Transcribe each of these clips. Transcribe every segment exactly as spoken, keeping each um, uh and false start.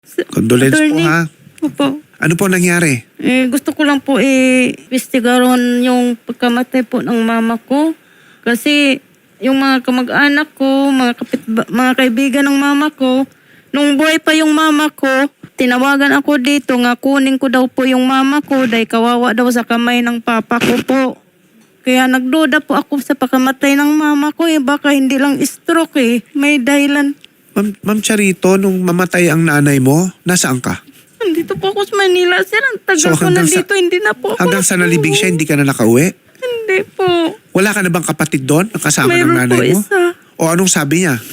Condolence po Attorney. ha. Opo. Ano po nangyari? Eh, gusto ko lang po i-investigaron yung pagkamatay po ng mama ko. Kasi yung mga kamag-anak ko, mga, kapit, mga kaibigan ng mama ko, nung buhay pa yung mama ko, tinawagan ako dito nga kunin ko daw po yung mama ko dahil kawawa daw sa kamay ng papa ko po. Kaya nagduda po ako sa pagkamatay ng mama ko eh. Baka hindi lang stroke eh. May dahilan. Ma'am, Ma'am Charito, nung mamatay ang nanay mo, nasaan ka? Nandito po ako sa Manila, sir. Ang tagal So, ko hanggang sa- nandito, hindi na po ako. Hanggang sa nalibing siya, hindi ka na nakauwi? Hindi po. Wala ka na bang kapatid doon? Ang kasama ng Mayroon nanay po mo? isa. O anong sabi niya?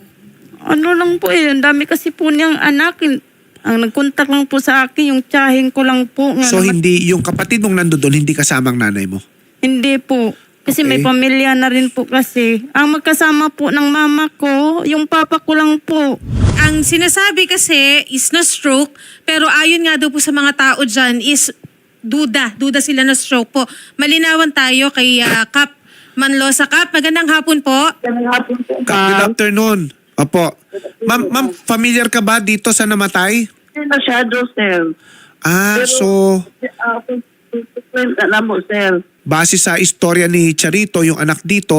Ano lang po eh, ang dami kasi po niyang anak. Ang nagkontak lang po sa akin, yung tsahin ko lang po. Nga So naman- hindi, yung kapatid mong nando doon, hindi kasama ang nanay mo? Hindi po. Kasi may Okay. pamilya na rin po kasi. Ang magkasama po ng mama ko, yung papa ko lang po. Ang sinasabi kasi is na stroke, pero ayon nga daw po sa mga tao dyan is duda. Duda sila na stroke po. Malinawan tayo kay ah, Kap Manlosa. Kap, magandang hapon po. Good afternoon. Opo. Ma'am, ma'am, familiar ka ba dito sa namatay? Hindi masyado, sir. Ah, so Ako, alam mo, sir. base sa istorya ni Charito, yung anak dito,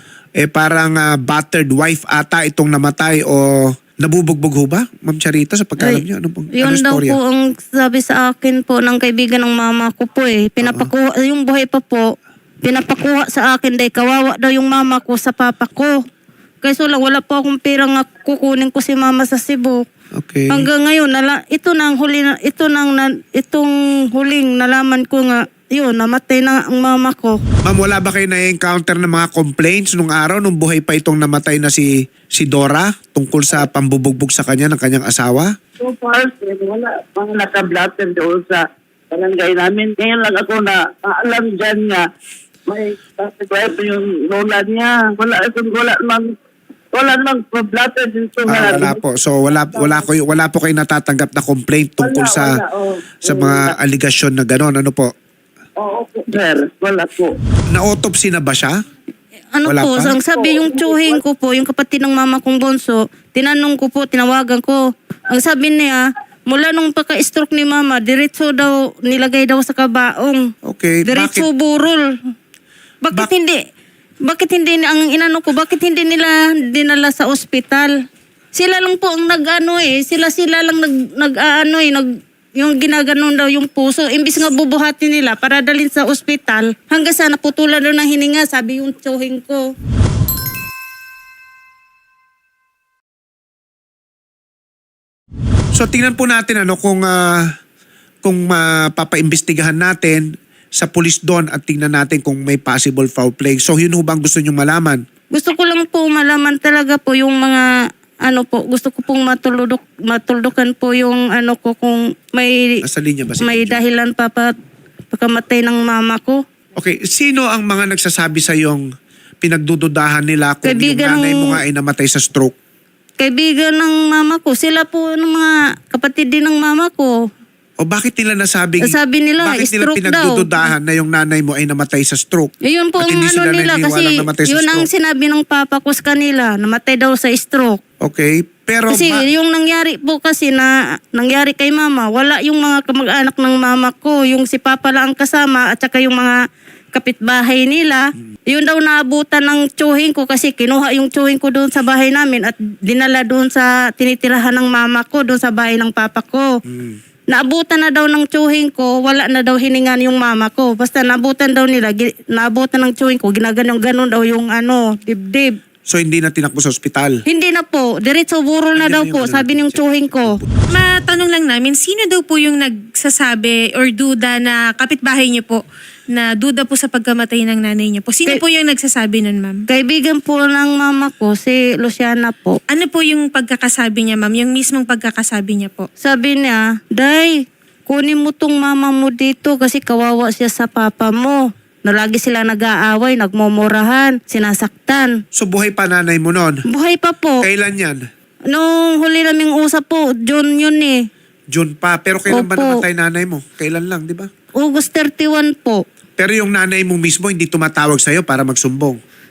eh parang ah, battered wife ata itong namatay o nabubugbog ho ba? Ma'am Charito, sa pagkalam Ay, niyo, ano pong Yun ano daw istorya? po ang sabi sa akin po ng kaibigan ng mama ko po eh. Pinapakuha, yung buhay pa po, pinapakuha sa akin dahil kawawa daw yung mama ko sa papa ko. Kaya lang, wala po akong pera nga kukunin ko si mama sa Cebu. Okay. Hanggang ngayon, nala, ito na ang huli, na- ito na, ang na- itong huling nalaman ko nga, yun, namatay na ang mama ko. Ma'am, wala ba kayo na-encounter ng mga complaints nung araw, nung buhay pa itong namatay na si si Dora tungkol sa pambubugbog sa kanya ng kanyang asawa? So far, sir, wala. Mga naka-blatter doon sa barangay namin. Ngayon lang ako na alam dyan nga. May tatagay yung lola niya. Wala, wala mang wala mang blatter dito. Ah, wala po. So wala wala ko wala po kayo natatanggap na complaint tungkol Wala, sa wala, oh. sa mga aligasyon na gano'n, ano po? Oo po, sir. Wala po. Na-autopsy na ba siya? Ano Wala po, pa? ang sabi yung tsuhin ko po, yung kapatid ng mama kong bunso, tinanong ko po, tinawagan ko. Ang sabi niya, mula nung pagka-stroke ni mama, diretso daw, nilagay daw sa kabaong. Okay. Diretso Bakit? burol. Bakit Bak- hindi, bakit hindi, ang inano ko, bakit hindi nila dinala sa ospital? Sila lang po ang nag-ano eh, sila-sila lang nag, nag-ano eh, nag, yung ginaganon daw yung puso. Imbis nga bubuhatin nila para dalhin sa ospital, hanggang sa naputulan daw ng hininga, sabi yung tsuhin ko. So tingnan po natin ano kung ah, kung mapapaimbestigahan natin sa pulis doon at tingnan natin kung may possible foul play. So yun ho bang gusto niyo malaman? Gusto ko lang po malaman talaga po yung mga ano po, gusto ko pong matuludok, matuldukan po yung ano ko kung may Nasa linya ba si may Medyo? dahilan pa pa pagkamatay ng mama ko. Okay, sino ang mga nagsasabi sa yung pinagdududahan nila kung Kaibigan yung nanay ng- mo nga ay namatay sa stroke? Kaibigan ng mama ko, sila po ng mga kapatid din ng mama ko. O bakit nila nasabing, Sabi nila, bakit nila stroke daw. pinagdududahan na yung nanay mo ay namatay sa stroke? Yun po At ang hindi ano sila nila kasi naniniwalang namatay sa yun ang stroke? sinabi ng papa ko sa kanila, namatay daw sa stroke. Okay, pero Kasi ba- yung nangyari po kasi na nangyari kay mama, wala yung mga kamag-anak ng mama ko, yung si papa lang ang kasama at saka yung mga kapitbahay nila. Yun daw naabutan ng tsuhin ko kasi kinuha yung tsuhin ko doon sa bahay namin at dinala doon sa tinitirahan ng mama ko, doon sa bahay ng papa ko. Hmm. Naabutan na daw ng tsuhin ko, wala na daw hiningan yung mama ko. Basta naabutan daw nila, gi- naabutan ng tsuhin ko, ginaganong-ganon daw yung ano, dibdib. so hindi na tinakbo sa ospital? Hindi na po, diretso burol na Ayun daw yung po, ano sabi natin, ng tsuhin ko. Matanong lang namin, sino daw po yung nagsasabi or duda na kapitbahay niyo po na duda po sa pagkamatay ng nanay niyo po? Sino Kay- po yung nagsasabi nun, ma'am? Kaibigan po ng mama ko, si Luciana po. Ano po yung pagkakasabi niya, ma'am? Yung mismong pagkakasabi niya po? Sabi niya, Day, kunin mo tong mama mo dito kasi kawawa siya sa papa mo. Na lagi sila nag-aaway, nagmumurahan, sinasaktan. So buhay pa nanay mo noon? Buhay pa po. Kailan yan? Nung huli naming usap po, June yun eh. June pa. Pero kailan ba Opo. namatay nanay mo? Kailan lang, di ba? August thirty-one po. Pero yung nanay mo mismo hindi tumatawag sa'yo para magsumbong.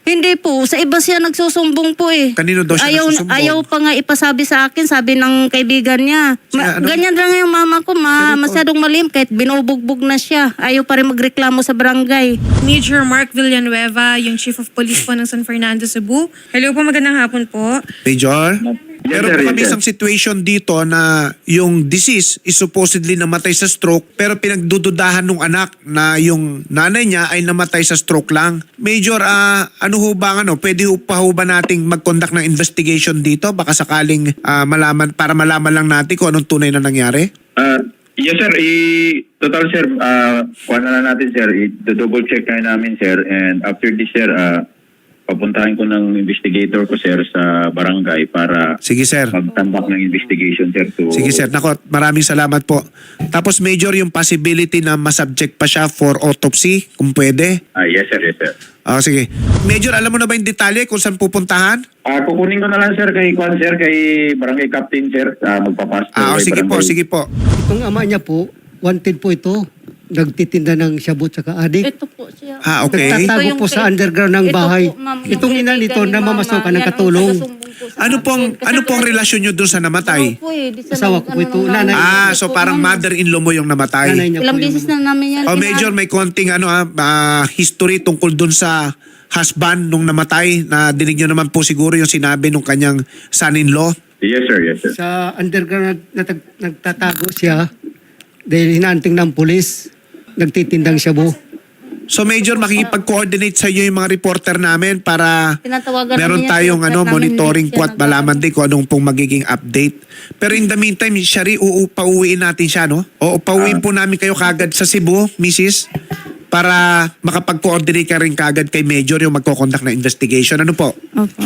Hindi po, sa iba siya nagsusumbong po eh. Kanino daw siya ayaw, nagsusumbong? Ayaw pa nga ipasabi sa akin, sabi ng kaibigan niya. Ma- Siya, ano? Ganyan lang yung mama ko, ma, Ganito. masyadong malim, kahit binubugbog na siya. Ayaw pa rin magreklamo sa barangay. Major Mark Villanueva, yung Chief of Police po ng San Fernando, Cebu. Hello po, magandang hapon po. Major? Yes, Meron sir, po yes, kami sir. isang situation dito na yung deceased is supposedly namatay sa stroke pero pinagdududahan nung anak na yung nanay niya ay namatay sa stroke lang. Major, ah, ano ho ba ang ano? Pwede ho pa ho ba nating mag-conduct ng investigation dito? Baka sakaling ah, malaman, para malaman lang natin kung anong tunay na nangyari? Ah, yes sir, i total sir, ah kuha na lang natin sir, i-double check na namin sir, and after this sir, ah papuntahin ko ng investigator ko sir sa barangay para Sige, sir. magtambak ng investigation sir to... Sige, sir. Nako, maraming salamat po. Tapos, Major, yung possibility na masubject pa siya for autopsy, kung pwede. Ah, yes sir, yes sir. Ah, sige. Major, alam mo na ba yung detalye kung saan pupuntahan? Ah, kukunin ko na lang sir kay Kwan sir, kay barangay captain sir, ah magpapasto. Ah, oh, kay sige po, barangay. sige po. Itong ama niya po, wanted po ito. Nagtitinda ng shabu at adik. Ito po siya. Ah, okay. Nagtatago Ito yung po sa kay- underground ng ito bahay. po, ma'am, yung Itong ina kaibigan nito ni na mama, mamasukan yan ng ang katulong. taga-sumbong po sa Ano pong akin. Kasi ano pong wala- relasyon nyo doon sa namatay? Ano po eh, di sa Asawa nag- ko po ito, ano, nanay. Ah, ano so po, parang ma'am. mother-in-law mo yung Nanay namatay. niya po Ilang yung- beses na namin yan. Oh, kina- Major, may konting ano ah, ah, history tungkol doon sa husband nung namatay na dinig nyo naman po siguro yung sinabi nung kanyang son-in-law. Yes sir, yes sir. Sa underground nag- natag- nagtatago siya dahil hinaanting ng pulis. Nagtitindang shabu. So Major, makikipag-coordinate sa iyo yung mga reporter namin para Tinatawagan meron namin yan, tayong sir, ano, namin monitoring hindi po siya at malaman din kung anong pong magiging update. Pero in the meantime, Shari, uu, pauwiin natin siya, no? O pauwiin po namin kayo kagad sa Cebu, Missus para makapag-coordinate ka rin kagad kay Major yung magkoconduct na investigation. Ano po? Opo.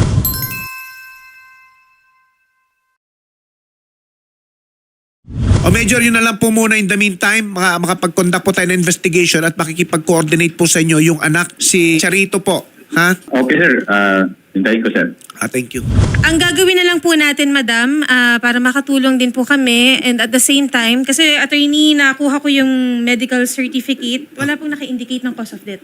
O Major, yun na lang po muna in the meantime, maka, makapag-conduct po tayo ng investigation at makikipag-coordinate po sa inyo yung anak, si Charito po. Ha? Okay sir, ah hintayin ko sir. Ah, thank you. Ang gagawin na lang po natin, madam, ah, para makatulong din po kami and at the same time, kasi attorney, nakuha ko yung medical certificate, wala pong naka-indicate ng cause of death.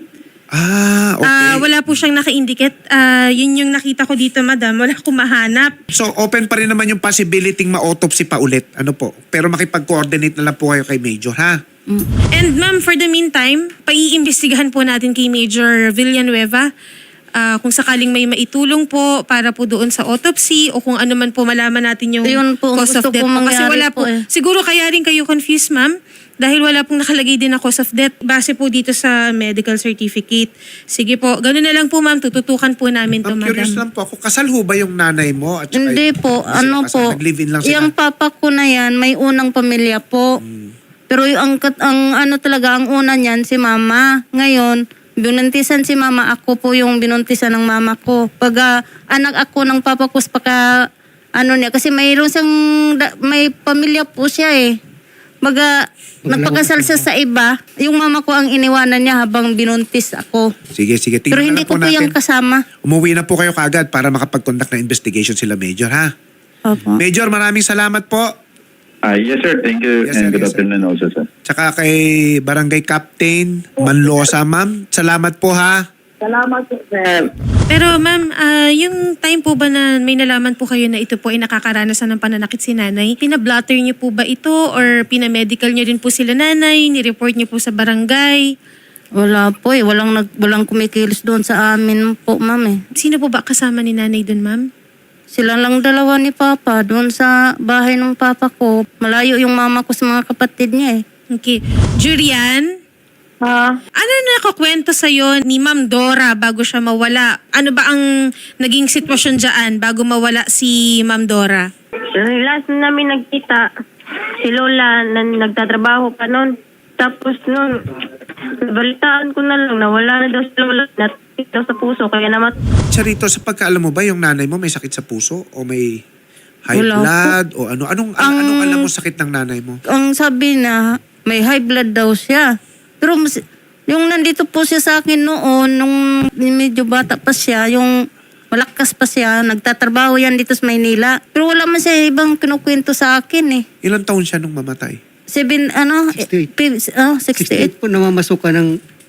Ah, okay. Ah, wala po siyang naka-indicate. Ah, yun yung nakita ko dito, madam. Wala akong mahanap. So, open pa rin naman yung possibility ma-autopsy pa ulit. Ano po? Pero makipag-coordinate na lang po kayo kay Major, ha? And ma'am, for the meantime, paiimbestigahan po natin kay Major Villanueva ah, kung sakaling may maitulong po para po doon sa autopsy o kung ano man po malaman natin yung Yun po ang cause of gusto death kong po. Kasi mangyari wala po, po eh. siguro kaya rin kayo confused, ma'am, dahil wala pong nakalagay din na cause of death base po dito sa medical certificate. Sige po, ganoon na lang po ma'am, tututukan po namin to, I'm madam. curious lang po ako. Kasal ho ba yung nanay mo? At saka- Hindi po, Kasi ano kasal, po, Nag-live-in lang sila. yung papa ko na yan, may unang pamilya po. Pero yung ang, kat- ang ano talaga, ang una niyan, si mama. Ngayon, binuntisan si mama, ako po yung binuntisan ng mama ko. Pag ah, anak ako ng papa ko, pagka, ano niya, kasi mayroon siyang, da- may pamilya po siya eh. Baga, nagpakasal siya sa iba. Yung mama ko ang iniwanan niya habang binuntis ako. Sige, sige. Tingnan Pero na hindi lang po ko po yung natin. kasama. Umuwi na po kayo kagad para makapag-conduct na investigation sila, Major, ha? Opo. Major, maraming salamat po. Ah, yes sir, thank you Yes, sir, and good yes, sir. afternoon also sir. Tsaka kay Barangay Captain Manlosa, ma'am. Salamat po, ha? Salamat po, sir. Pero ma'am, ah, yung time po ba na may nalaman po kayo na ito po ay nakakaranasan ng pananakit si nanay, pinablatter niyo po ba ito or pinamedical niyo rin po sila nanay, nireport niyo po sa barangay? Wala po eh. Walang, nag, walang kumikilos doon sa amin po, ma'am eh. Sino po ba kasama ni nanay dun, ma'am? Sila lang dalawa ni Papa doon sa bahay ng Papa ko. Malayo yung mama ko sa mga kapatid niya eh. Okay. Jurian, Ha? ano nakakwento sa'yo ni Ma'am Dora bago siya mawala? Ano ba ang naging sitwasyon dyan bago mawala si Ma'am Dora? Last na namin nagkita, si Lola na nagtatrabaho pa noon. Tapos noon, balitaan ko na lang na wala na daw si Lola, natikit daw sa puso, kaya namat. Charito, sa pagkaalam mo ba yung nanay mo may sakit sa puso o may high Wala blood o ano? Anong, an- Ang- anong alam mo sakit ng nanay mo? Ang sabi na may high blood daw siya. Pero mas- yung nandito po siya sa akin noon, nung medyo bata pa siya, yung malakas pa siya, nagtatrabaho yan dito sa Maynila. Pero wala man siya ibang kinukwento sa akin eh. Ilang taon siya nung mamatay? Seven, ano, sixty-eight. eh, pi- oh, sixty-eight. sixty-eight po namamasukan ng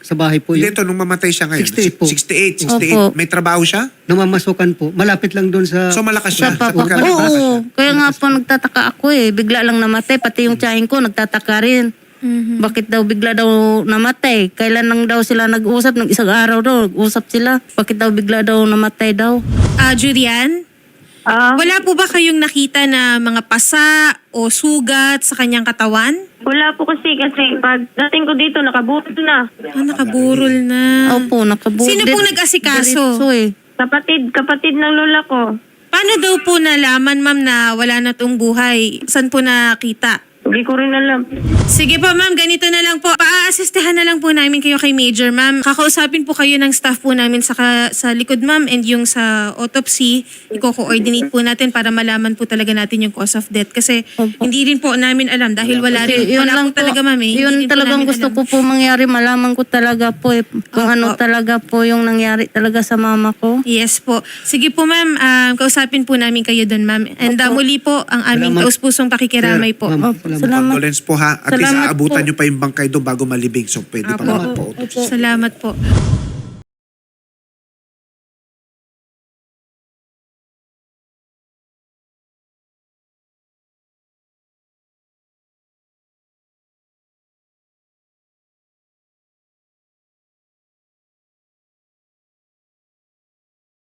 sa bahay po Hindi, yun. ito, nung mamatay siya ngayon. sixty-eight po. sixty-eight, sixty-eight. Opo. May trabaho siya? Namamasukan po. Malapit lang doon sa... So malakas Sa siya. papa Huwag ko. ka malakas siya. Oo, kaya nga po nagtataka ako eh. Bigla lang namatay. Pati yung tiyahin ko nagtataka rin. Bakit daw bigla daw namatay? Kailan lang daw sila nag-usap? Nung isang araw daw nag-usap sila. Bakit daw bigla daw namatay daw? Ah, Julian? Ah, Wala po ba kayong nakita na mga pasa o sugat sa kanyang katawan? wala po kasi kasi pag dating ko dito nakabuto na. Ah, nakaburol na. Opo, nakabuo. Sino pong nag-asikaso? Diretso eh. Kapatid, kapatid ng lola ko. Paano daw po nalaman, ma'am, na wala na tong buhay? Saan po nakita? Hindi ko rin alam. Sige po, ma'am. Ganito na lang po. Paa-assistahan na lang po namin kayo kay Major, ma'am. Kakausapin po kayo ng staff po namin sa, ka- sa likod, ma'am. And yung sa autopsy, i-coordinate po natin para malaman po talaga natin yung cause of death. Kasi Opo. hindi rin po namin alam dahil wala rin. Yun Wala lang po talaga, ma'am. Eh. Hindi Yun rin po talagang namin gusto alam. ko po mangyari. Malaman ko talaga po eh. Kung ano talaga po yung nangyari talaga sa mama ko. Yes po. Sige po, ma'am. Um, kausapin po namin kayo doon, ma'am. And uh, muli po, ang aming Salamat. taus-pusong pakikiramay po. Ma'am, Opo, salamat. salamat. Condolence po ha. At least Salamat aabutan po. nyo pa yung bangkay doon bago malibing. So pwede pa Apo. naman po. Salamat po.